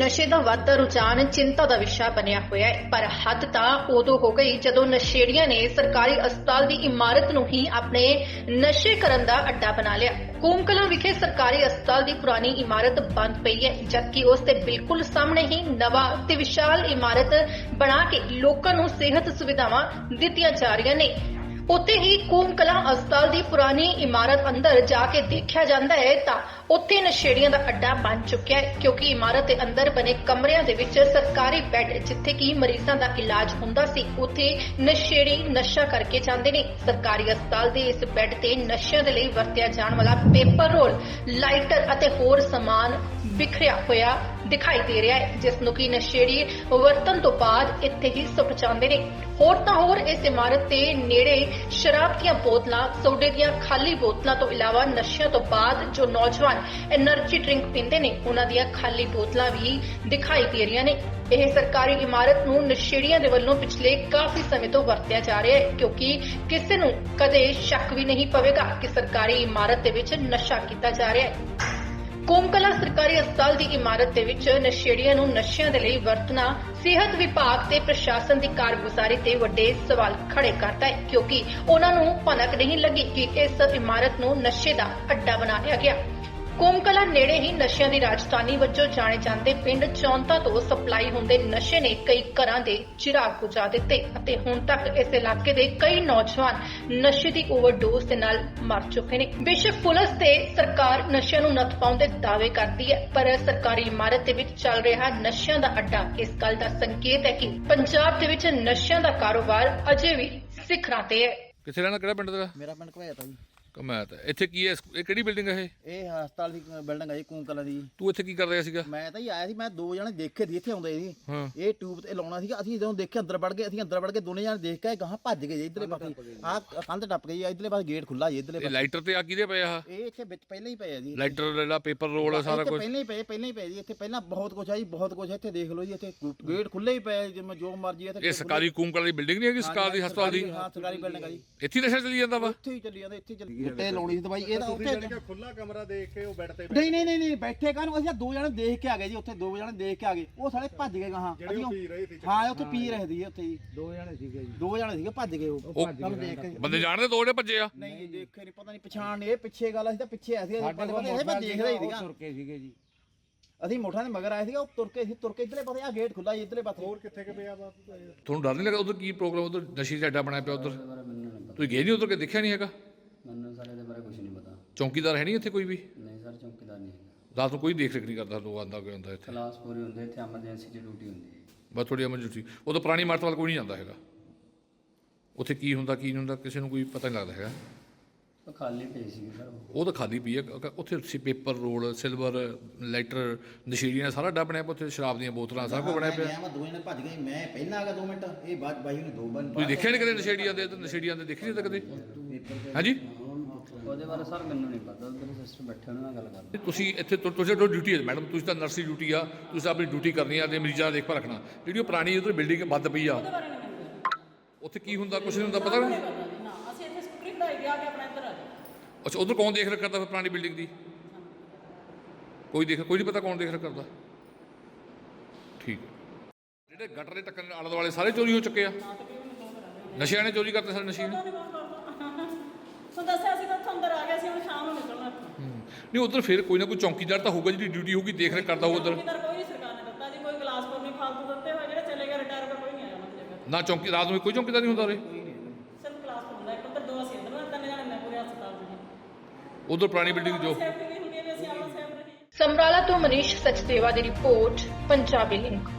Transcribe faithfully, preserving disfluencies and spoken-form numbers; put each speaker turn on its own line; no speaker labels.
ਨਸ਼ੇ ਦਾ ਵੱਧਦਾ ਰੁਝਾਨ ਚਿੰਤਾ ਦਾ ਵਿਸ਼ਾ ਬਣਿਆ ਹੋਇਆ ਹੈ, ਪਰ ਹੱਦ ਤਾਂ ਉਦੋਂ ਹੋ ਗਈ ਜਦੋਂ ਨਸ਼ੇੜੀਆਂ ਨੇ ਸਰਕਾਰੀ ਹਸਪਤਾਲ ਦੀ ਇਮਾਰਤ ਨੂੰ ਹੀ ਆਪਣੇ ਨਸ਼ੇ ਕਰਨ ਦਾ ਅੱਡਾ ਬਣਾ ਲਿਆ। ਕੂਮ ਕਲਾਂ ਵਿਖੇ ਸਰਕਾਰੀ ਹਸਪਤਾਲ ਦੀ ਪੁਰਾਣੀ ਇਮਾਰਤ ਬੰਦ ਪਈ ਹੈ, ਜਦਕਿ ਉਸ ਦੇ ਬਿਲਕੁਲ ਸਾਹਮਣੇ ਹੀ ਨਵਾਂ ਤੇ ਵਿਸ਼ਾਲ ਇਮਾਰਤ ਬਣਾ ਕੇ ਲੋਕਾਂ ਨੂੰ ਸਿਹਤ ਸੁਵਿਧਾਵਾਂ ਦਿੱਤੀਆਂ ਜਾ ਰਹੀਆਂ ਨੇ। ਉੱਥੇ ਹੀ ਕੂਮ ਕਲਾਂ ਹਸਪਤਾਲ ਦੀ ਪੁਰਾਣੀ ਇਮਾਰਤ ਅੰਦਰ ਜਾ ਕੇ ਦੇਖਿਆ ਜਾਂਦਾ ਹੈ ਤਾਂ ਉੱਥੇ ਨਸ਼ੇੜੀਆਂ ਦਾ ਅੱਡਾ ਬਣ ਚੁੱਕਿਆ ਹੈ, ਕਿਉਂਕਿ ਇਮਾਰਤ ਦੇ ਅੰਦਰ ਬਣੇ ਕਮਰਿਆਂ ਦੇ ਵਿੱਚ ਸਰਕਾਰੀ ਬੈੱਡ ਜਿੱਥੇ ਕਿ ਮਰੀਜ਼ਾਂ ਦਾ ਇਲਾਜ ਹੁੰਦਾ ਸੀ, ਉੱਥੇ ਨਸ਼ੇੜੀ ਨਸ਼ਾ ਕਰਕੇ ਜਾਂਦੇ ਨੇ। ਸਰਕਾਰੀ ਹਸਪਤਾਲ ਦੇ ਇਸ ਬੈੱਡ ਤੇ ਨਸ਼ਿਆਂ ਦੇ ਲਈ ਵਰਤਿਆ ਜਾਣ ਵਾਲਾ ਪੇਪਰ ਰੋਲ, ਲਾਈਟਰ ਅਤੇ ਹੋਰ ਸਮਾਨ ਬਿਖਰਿਆ ਹੋਇਆ ਦਿਖਾਈ ਦੇ ਰਿਹਾ ਹੈ, ਜਿਸ ਨੂੰ ਕਿ ਨਸ਼ੇੜੀ ਵਰਤਣ ਤੋਂ ਬਾਅਦ ਇੱਥੇ ਹੀ ਸੁੱਟ ਜਾਂਦੇ ਨੇ। ਹੋਰ ਤਾਂ ਹੋਰ ਇਸ ਇਮਾਰਤ ਦੇ ਨੇੜੇ ਸ਼ਰਾਬ ਦੀਆਂ ਬੋਤਲਾਂ, ਸੋਡੇ ਦੀਆਂ ਖਾਲੀ ਬੋਤਲਾਂ ਤੋਂ ਇਲਾਵਾ ਨਸ਼ਿਆਂ ਤੋਂ ਬਾਅਦ ਜੋ ਨੌਜਵਾਨ એનર્ਜੀ ਡਰਿੰਕ ਪੀਂਦੇ ਨੇ ਉਹਨਾਂ ਦੀਆਂ ਖਾਲੀ ਬੋਤਲਾਂ ਵੀ ਦਿਖਾਈ ਦੇ ਰਹੀਆਂ ਨੇ। ਇਹ ਸਰਕਾਰੀ ਇਮਾਰਤ ਨੂੰ ਨਸ਼ੇੜੀਆਂ ਦੇ ਵੱਲੋਂ ਪਿਛਲੇ ਕਾਫੀ ਸਮੇਂ ਤੋਂ ਵਰਤਿਆ ਜਾ ਰਿਹਾ ਹੈ, ਕਿਉਂਕਿ ਕਿਸੇ ਨੂੰ ਕਦੇ ਸ਼ੱਕ ਵੀ ਨਹੀਂ ਪਵੇਗਾ ਕਿ ਸਰਕਾਰੀ ਇਮਾਰਤ ਦੇ ਵਿੱਚ ਨਸ਼ਾ ਕੀਤਾ ਜਾ ਰਿਹਾ ਹੈ। ਕੂਮ ਕਲਾਂ ਸਰਕਾਰੀ ਹਸਪਤਾਲ ਦੀ ਇਮਾਰਤ ਦੇ ਵਿੱਚ ਨਸ਼ੇੜੀਆਂ ਨੂੰ ਨਸ਼ਿਆਂ ਦੇ ਲਈ ਵਰਤਣਾ ਸਿਹਤ ਵਿਭਾਗ ਤੇ ਪ੍ਰਸ਼ਾਸਨ ਦੀ ਕਾਰਗੁਜ਼ਾਰੀ ਤੇ ਵੱਡੇ ਸਵਾਲ ਖੜੇ ਕਰਦਾ ਹੈ, ਕਿਉਂਕਿ ਉਹਨਾਂ ਨੂੰ ਭਨਕ ਨਹੀਂ ਲੱਗੀ ਕਿ ਇਸ ਇਮਾਰਤ ਨੂੰ ਨਸ਼ੇ ਦਾ ਅੱਡਾ ਬਣਾ ਲਿਆ ਗਿਆ। ਕੂਮ ਕਲਾਂ ਨੇੜੇ ਹੀ ਨਸ਼ਿਆਂ ਦੀ ਰਾਜਧਾਨੀ ਵਜੋਂ ਜਾਣੇ ਜਾਂਦੇ ਪਿੰਡ ਚੌਂਤਾ ਤੋਂ ਸਪਲਾਈ ਹੁੰਦੇ ਨਸ਼ੇ ਨੇ ਕਈ ਘਰਾਂ ਦੇ ਚਿਰਾਗ ਬੁਝਾ ਦਿੱਤੇ ਅਤੇ ਹੁਣ ਤੱਕ ਇਸ ਇਲਾਕੇ ਦੇ ਕਈ ਨੌਜਵਾਨ ਨਸ਼ੇ ਦੀ ਓਵਰਡੋਜ਼ ਦੇ ਨਾਲ ਮਰ ਚੁੱਕੇ ਨੇ। ਬੇਸ਼ੱਕ ਪੁਲਿਸ ਤੇ ਸਰਕਾਰ ਨਸ਼ਿਆਂ ਨੂੰ ਨੱਥ ਪਾਉਣ ਦੇ ਦਾਅਵੇ ਕਰਦੀ ਹੈ, ਪਰ ਸਰਕਾਰੀ ਇਮਾਰਤ ਦੇ ਵਿੱਚ ਚੱਲ ਰਿਹਾ ਨਸ਼ਿਆਂ ਦਾ ਅੱਡਾ ਇਸ ਗੱਲ ਦਾ ਸੰਕੇਤ ਹੈ ਕਿ ਪੰਜਾਬ ਦੇ ਵਿੱਚ ਨਸ਼ਿਆਂ ਦਾ ਕਾਰੋਬਾਰ ਅਜੇ ਵੀ ਸਿਖਰਾਂ ਤੇ ਹੈ।
ਕਿੱਥੇ ਰਹਿਣਾ, ਕਿਹੜਾ ਪਿੰਡ ਤੇਰਾ?
ਮੇਰਾ ਪਿੰਡ ਘਵਾਇਆ ਤਾ ਜੀ।
ਕਮਾਇਆ ਤਾਂ ਇੱਥੇ ਕੀ ਹੈ? ਇਹ ਕਿਹੜੀ ਬਿਲਡਿੰਗ ਹੈ ਇਹ?
ਇਹ ਹਸਪਤਾਲ ਦੀ ਬਿਲਡਿੰਗ ਹੈ ਜੀ, ਕੂਮ ਕਲਾਂ ਦੀ।
ਤੂੰ ਇੱਥੇ ਕੀ ਕਰ ਰਿਹਾ ਸੀਗਾ?
ਮੈਂ ਤਾਂ ਜੀ ਆਇਆ ਸੀ, ਮੈਂ ਦੋ ਜਣੇ ਦੇਖੇ ਸੀ ਇੱਥੇ ਆਉਂਦੇ ਸੀ।
ਹਾਂ।
ਇਹ ਟਿਊਬ ਤੇ ਲਾਉਣਾ ਸੀਗਾ, ਅਸੀਂ ਜਦੋਂ ਦੇਖਿਆ ਅੰਦਰ ਵੜ ਗਏ, ਅਸੀਂ ਅੰਦਰ ਵੜ ਕੇ ਦੋਨੇ ਜਣੇ ਦੇਖ ਕੇ ਗਾਹਾਂ ਭੱਜ ਗਏ ਜੀ ਇਧਰਲੇ ਪਾਸੇ। ਆਹ ਕੰਧ ਟੱਪ ਗਈ, ਇਧਰਲੇ ਪਾਸੇ ਗੇਟ ਖੁੱਲਾ ਜੀ ਇਧਰਲੇ
ਇਹ
ਪਾਸੇ।
ਲਾਈਟਰ ਤੇ ਆ ਕਿਹਦੇ ਪਏ ਆ?
ਇਹ ਇੱਥੇ ਵਿੱਚ ਪਹਿਲਾਂ ਹੀ ਪਏ ਆ ਜੀ।
ਲਾਈਟਰ ਜਿਹੜਾ ਪੇਪਰ ਰੋਲ ਸਾਰਾ ਕੁਝ
ਪਹਿਲਾਂ ਹੀ ਪਏ, ਪਹਿਲਾਂ ਹੀ ਪਏ ਜੀ। ਇੱਥੇ ਪਹਿਲਾਂ ਬਹੁਤ ਕੁਝ ਆ ਜੀ, ਬਹੁਤ ਕੁਝ ਇੱਥੇ ਦੇਖ ਲਓ ਜੀ। ਇੱਥੇ ਗੇਟ ਖੁੱਲੇ ਹੀ ਪਏ, ਜਿਵੇਂ ਜੋ ਮਰਜ਼ੀ ਇੱਥੇ।
ਇਹ ਸਰਕਾਰੀ ਕੂਮ ਕਲਾਂ ਦੀ ਬਿਲਡਿੰਗ ਨਹੀਂ ਹੈਗੀ? ਸਰਕਾਰ ਦੀ ਹਸਪਤਾਲ ਦੀ?
ਹਾਂ, ਸਰਕਾਰੀ ਬਿਲਡਿੰਗ ਆ ਜੀ।
ਇੱਥੇ ਨਸ਼ਾ ਚੱਲੀ ਜਾਂਦਾ ਵਾ?
ਇੱਥੇ ਹੀ ਚੱਲੀ ਜਾਂਦਾ, ਇੱਥੇ ਚੱਲੀ ਉੱਤੇ ਲਾਉਣੀ ਸੀ ਦਵਾਈ। ਇਹਦਾ ਉੱਥੇ
ਖੁੱਲਾ ਕਮਰਾ ਦੇਖ ਕੇ ਉਹ ਬੈੱਡ ਤੇ
ਨਹੀਂ ਨਹੀਂ ਨਹੀਂ ਨਹੀਂ ਬੈਠੇ ਕਾਹਨੂੰ, ਅਸੀਂ ਦੋ ਜਣੇ ਦੇਖ ਕੇ ਆ ਗਏ ਜੀ। ਉੱਥੇ ਦੋ ਜਣੇ ਦੇਖ ਕੇ ਆ ਗਏ, ਉਹ ਸਾਲੇ ਭੱਜ ਗਏ ਗਾਹਾਂ।
ਜਿਹੜੇ ਉਹ ਪੀ ਰਹੇ ਸੀ।
ਹਾਂ, ਉੱਥੇ ਪੀ ਰਹੇ ਸੀ ਉੱਥੇ ਜੀ। ਦੋ ਜਣੇ ਸੀਗੇ ਜੀ, ਦੋ ਜਣੇ ਸੀਗੇ, ਭੱਜ ਗਏ ਉਹ। ਸਾਨੂੰ ਦੇਖ ਕੇ
ਬੰਦੇ ਜਾਣਦੇ ਦੋ ਜਿਹੜੇ ਭੱਜੇ ਆ?
ਨਹੀਂ ਜੀ, ਦੇਖੇ ਨਹੀਂ, ਪਤਾ ਨਹੀਂ ਪਛਾਣ ਨਹੀਂ। ਇਹ ਪਿੱਛੇ ਗੱਲ, ਅਸੀਂ ਤਾਂ ਪਿੱਛੇ ਆਏ ਸੀ, ਪਤਾ ਪਤਾ ਇਹ ਮੈਂ ਦੇਖਦਾ ਹੀ ਸੀਗਾ।
ਤੁਰ ਕੇ ਸੀਗੇ ਜੀ,
ਅਸੀਂ ਮੋਠਾਂ ਦੇ ਮਗਰ ਆਏ ਸੀਗਾ, ਉਹ ਤੁਰ ਕੇ ਸੀ, ਤੁਰ ਕੇ ਇਧਰਲੇ ਪਾਸੇ ਆ ਗੇਟ ਖੁੱਲਾ ਜੀ ਇਧਰਲੇ ਪਾਸੇ।
ਹੋਰ ਕਿੱਥੇ ਕਿ ਪਿਆ ਬਾਤ?
ਤੁਹਾਨੂੰ ਡਰ ਨਹੀਂ ਲੱਗਾ ਉਧਰ ਕੀ ਪ੍ਰੋਗਰਾਮ, ਉਧਰ ਨਸ਼ੇ ਦਾ ਅੱਡਾ ਬਣਾਇਆ ਪਿਆ ਉਧਰ? ਤੁਸੀਂ ਗਏ ਨਹੀਂ ਉਧਰ ਕੇ ਦੇਖਿਆ ਨਹੀਂ ਹੈਗਾ?
ਮੈਨੂੰ ਸਰ ਇਹਦੇ ਬਾਰੇ ਕੁਝ ਨਹੀਂ ਪਤਾ।
ਚੌਂਕੀਦਾਰ ਹੈ ਨਹੀਂ ਇੱਥੇ ਕੋਈ ਵੀ?
ਨਹੀਂ ਸਰ, ਚੌਕੀਦਾਰ ਨਹੀਂ ਹੈਗਾ।
ਰਾਤ ਨੂੰ ਕੋਈ ਦੇਖ ਰੇਖ ਨਹੀਂ ਕਰਦਾ? ਲੋਕ ਆਉਂਦਾ ਕੋਈ ਹੁੰਦਾ ਇੱਥੇ?
ਕਲਾਸ ਪੂਰੀ ਹੁੰਦੇ ਇੱਥੇ, ਐਮਰਜੈਂਸੀ ਦੀ ਡਿਊਟੀ ਹੁੰਦੀ ਹੈ
ਬਸ ਥੋੜੀ ਐਮਰਜੈਂਸੀ। ਉਦੋਂ ਪੁਰਾਣੀ ਇਮਾਰਤ ਵੱਲ ਕੋਈ ਨਹੀਂ ਜਾਂਦਾ ਹੈਗਾ? ਉੱਥੇ ਕੀ ਹੁੰਦਾ ਕੀ ਨਹੀਂ ਹੁੰਦਾ ਕਿਸੇ ਨੂੰ ਕੋਈ ਪਤਾ ਨਹੀਂ ਲੱਗਦਾ ਹੈਗਾ?
ਉਹ ਖਾਲੀ ਪਈ ਸੀ ਸਰ।
ਉਹ ਤਾਂ ਖਾਲੀ ਪਈ ਹੈ। ਉੱਥੇ ਸੀ ਪੇਪਰ ਰੋਲ, ਸਿਲਵਰ, ਲਾਈਟਰ, ਨਸ਼ੀੜੀਆਂ ਸਾਰਾ ਅੱਡਾ ਬਣਿਆ ਪਿਆ ਉੱਥੇ। ਸ਼ਰਾਬ ਦੀਆਂ ਬੋਤਲਾਂ ਸਾਰਾ ਕੁਝ ਬਣਿਆ ਪਿਆ।
ਮੈਂ ਦੋ ਜਣੇ ਭੱਜ ਗਏ, ਮੈਂ ਪਹਿਲਾਂ ਆ ਗਿਆ ਦੋ ਮਿੰਟ, ਇਹ ਬਾਅਦ ਬਾਈ ਨੇ ਦੋ ਬੰਦ।
ਤੁਸੀਂ ਦੇਖਿਆ ਨਹੀਂ ਕਦੇ ਨਸ਼ੇੜੀਆਂ ਦੇ? ਨਸ਼ੇੜੀਆਂ ਦੇ ਦੇਖੇ ਨਹੀਂ ਤਾਂ ਕਦੇ? ਹਾਂਜੀ,
ਉਹਦੇ ਬਾਰੇ ਸਰ ਮੈਨੂੰ ਨਹੀਂ ਪਤਾ, ਉਹਦੇ ਸਿਸਟਰ ਬੈਠੇ ਉਹਨਾਂ ਨਾਲ ਗੱਲ ਕਰਦੇ।
ਤੁਸੀਂ ਇੱਥੇ ਤੁ- ਤੁਸੀਂ ਤੁਹਾਡੀ ਡਿਊਟੀ ਹੈ ਮੈਡਮ, ਤੁਸੀਂ ਤਾਂ ਨਰਸ ਦੀ ਡਿਊਟੀ ਆ, ਤੁਸੀਂ ਆਪਣੀ ਡਿਊਟੀ ਕਰਨੀ ਆ ਤੇ ਮਰੀਜ਼ਾਂ ਦਾ ਦੇਖਭਾਲ ਰੱਖਣਾ। ਜਿਹੜੀ ਉਹ ਪੁਰਾਣੀ ਉਧਰ ਬਿਲਡਿੰਗ ਬੰਦ ਪਈ ਆ, ਉੱਥੇ ਕੀ ਹੁੰਦਾ? ਕੁਛ ਨਹੀਂ ਹੁੰਦਾ, ਪਤਾ ਨਹੀਂ।
ਅਸੀਂ ਇੱਥੇ ਸਕੂਟਰੀ ਵਧਾਈ ਗਿਆ ਕਿ ਆਪਣਾ ਇੱਧਰ ਆ ਜਾਓ।
ਅੱਛਾ, ਉਧਰ ਕੌਣ ਦੇਖ ਰੇਖ ਕਰਦਾ ਫਿਰ ਪੁਰਾਣੀ ਬਿਲਡਿੰਗ ਦੀ? ਕੋਈ ਦੇਖ ਕੋਈ ਨਹੀਂ ਪਤਾ ਕੌਣ ਦੇਖ ਰੇਖ ਕਰਦਾ? ਠੀਕ ਹੈ। ਜਿਹੜੇ ਗਟਰ ਦੇ ਟੱਕਣ ਆਲੇ ਦੁਆਲੇ ਸਾਰੇ ਚੋਰੀ ਹੋ ਚੁੱਕੇ ਆ? ਨਸ਼ਿਆਂ ਨੇ ਚੋਰੀ ਕਰਤੇ ਸਾਰੇ ਨਸ਼ੇ ਨੇ?
ਸੋ ਦੱਸਿਆ ਸੀ ਤਾਂ ਉੱਥੋਂ ਅੰਦਰ ਆ ਗਿਆ ਸੀ, ਹੁਣ ਸ਼ਾਮ ਨੂੰ ਨਿਕਲਣਾ ਇੱਥੋਂ।
ਨਹੀਂ ਉਧਰ ਫਿਰ ਕੋਈ ਨਾ ਕੋਈ ਚੌਕੀਦਾਰ ਤਾਂ ਹੋਊਗਾ ਜਿਹੜੀ ਡਿਊਟੀ ਹੋਊਗੀ, ਦੇਖ ਰੇਖ ਕਰਦਾ ਹੋਊ ਉਧਰ।
ਚੌਕੀਦਾਰ ਕੋਈ ਸਰਕਾਰ ਨੇ ਦਿੱਤਾ ਜੀ, ਕੋਈ ਗਲਾਸਪੁਰ ਨਹੀਂ ਫਾਲਤੂ ਦਿੱਤੇ ਹੋਏ, ਜਿਹੜੇ ਚਲੇ ਗਏ ਰਿਟਾਇਰ ਕਰ ਕੋਈ ਨਹੀਂ ਆਇਆ ਉਹਨਾਂ ਦੀ ਜਗ੍ਹਾ।
ਨਾ ਚੌਕੀ ਰਾਤ ਨੂੰ ਕੋਈ ਚੌਕੀਦਾਰ ਨਹੀਂ ਹੁੰਦਾ ਉਰੇ?
ਸਿਰਫ ਗਲਾਸਪੁਰ ਹੁੰਦਾ ਇੱਕ, ਉੱਧਰ ਦੋ ਅਸੀਂ ਅੰਦਰ ਨਾ, ਤਿੰਨ ਜਣੇ ਨੇ ਪੂਰੇ ਹਸਪਤਾਲ ਦੇ।
ਉਧਰ ਪੁਰਾਣੀ ਬਿਲਡਿੰਗ ਜੋ
ਸੇਫਟੀ ਵੀ ਹੁੰਦੀ ਹੈ ਵੀ ਅਸੀਂ ਆਪਣਾ ਸੇਫ ਰਹੀਏ।
ਸਮਰਾਲਾ ਤੋਂ ਮਨੀਸ਼ ਸਚਦੇਵਾ ਦੀ ਰਿਪੋਰਟ, ਪੰਜਾਬੀ ਲਿੰਕ।